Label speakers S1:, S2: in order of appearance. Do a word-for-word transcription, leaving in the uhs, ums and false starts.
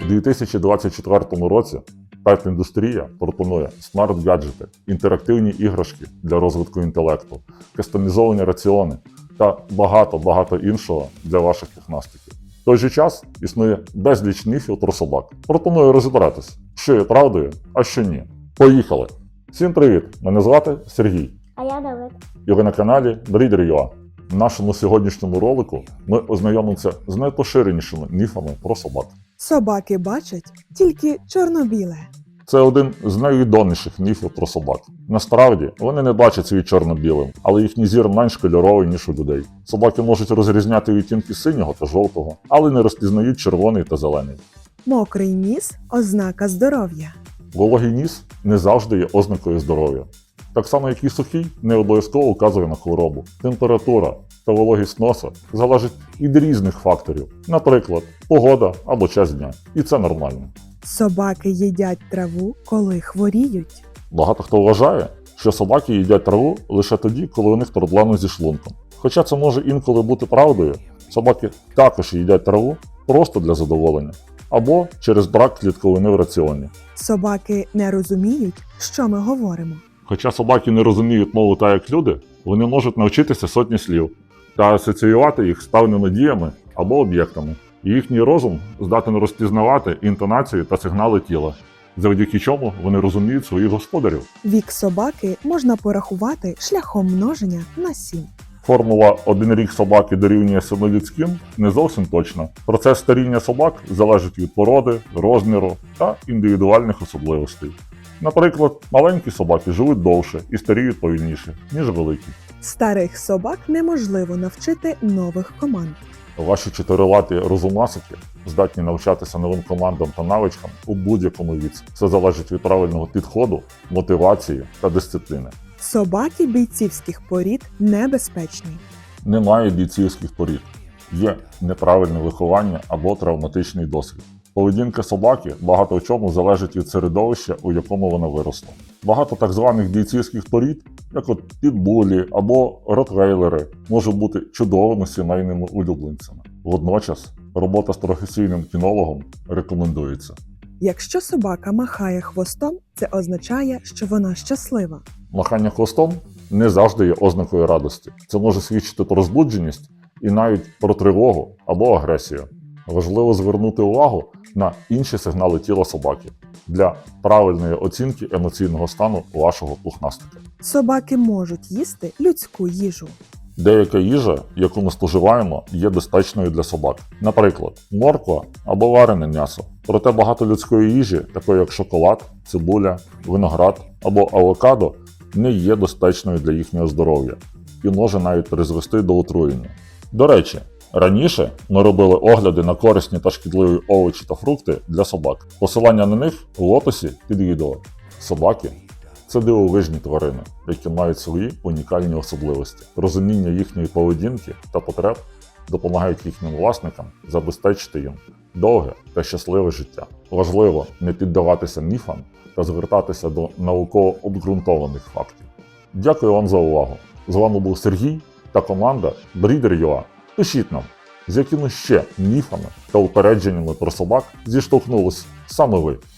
S1: У дві тисячі двадцять четвертому році пет-індустрія пропонує смарт-гаджети, інтерактивні іграшки для розвитку інтелекту, кастомізовані раціони та багато-багато іншого для ваших пухнастиків. В той же час існує безліч міфів про собак. Пропоную розібратись, що є правдою, а що ні. Поїхали! Всім привіт! Мене звати Сергій.
S2: А я Давид.
S1: І ви на каналі Breeder.ua. В нашому сьогоднішньому ролику ми ознайомимося з найпоширенішими міфами про собак.
S3: Собаки бачать тільки чорно-біле.
S1: Це один з найвідоміших міфів про собак. Насправді, вони не бачать світ чорно-білим, але їхній зір менш кольоровий, ніж у людей. Собаки можуть розрізняти відтінки синього та жовтого, але не розпізнають червоний та зелений.
S3: Мокрий ніс – ознака здоров'я.
S1: Вологий ніс не завжди є ознакою здоров'я. Так само, як і сухий, не обов'язково указує на хворобу. Температура та вологість носа залежить від різних факторів, наприклад, погода або час дня. І це нормально.
S3: Собаки їдять траву, коли хворіють.
S1: Багато хто вважає, що собаки їдять траву лише тоді, коли у них проблеми зі шлунком. Хоча це може інколи бути правдою, собаки також їдять траву просто для задоволення або через брак клітковини в раціоні.
S3: Собаки не розуміють, що ми говоримо.
S1: Хоча собаки не розуміють мову так, як люди, вони можуть навчитися сотні слів та асоціювати їх з певними діями або об'єктами. І їхній розум здатен розпізнавати інтонації та сигнали тіла, завдяки чому вони розуміють своїх господарів.
S3: Вік собаки можна порахувати шляхом множення на сім.
S1: Формула «один рік собаки дорівнює семи людським» не зовсім точна. Процес старіння собак залежить від породи, розміру та індивідуальних особливостей. Наприклад, маленькі собаки живуть довше і старіють повільніше, ніж великі.
S3: Старих собак неможливо навчити нових команд.
S1: Ваші чотирилаті розумасики здатні навчатися новим командам та навичкам у будь-якому віці. Це залежить від правильного підходу, мотивації та дисципліни.
S3: Собаки бійцівських порід небезпечні.
S1: Немає бійцівських порід. Є неправильне виховання або травматичний досвід. Поведінка собаки багато в чому залежить від середовища, у якому вона виросла. Багато так званих бійцівських порід, як от підбулі або ротвейлери, можуть бути чудовими сімейними улюбленцями. Водночас, робота з професійним кінологом рекомендується.
S3: Якщо собака махає хвостом, це означає, що вона щаслива.
S1: Махання хвостом не завжди є ознакою радості. Це може свідчити про розбудженість і навіть про тривогу або агресію. Важливо звернути увагу на інші сигнали тіла собаки для правильної оцінки емоційного стану вашого пухнастика.
S3: Собаки можуть їсти людську їжу.
S1: Деяка їжа, яку ми споживаємо, є безпечною для собак. Наприклад, морква або варене м'ясо. Проте багато людської їжі, такої як шоколад, цибуля, виноград або авокадо, не є безпечною для їхнього здоров'я і може навіть призвести до отруєння. До речі, раніше ми робили огляди на корисні та шкідливі овочі та фрукти для собак. Посилання на них в описі під відео. Собаки – це дивовижні тварини, які мають свої унікальні особливості. Розуміння їхньої поведінки та потреб допомагають їхнім власникам забезпечити їм довге та щасливе життя. Важливо не піддаватися міфам та звертатися до науково обґрунтованих фактів. Дякую вам за увагу. З вами був Сергій та команда Breeder.ua. Пишіть нам, з якими ще міфами та упередженнями про собак зіштовхнулись саме ви.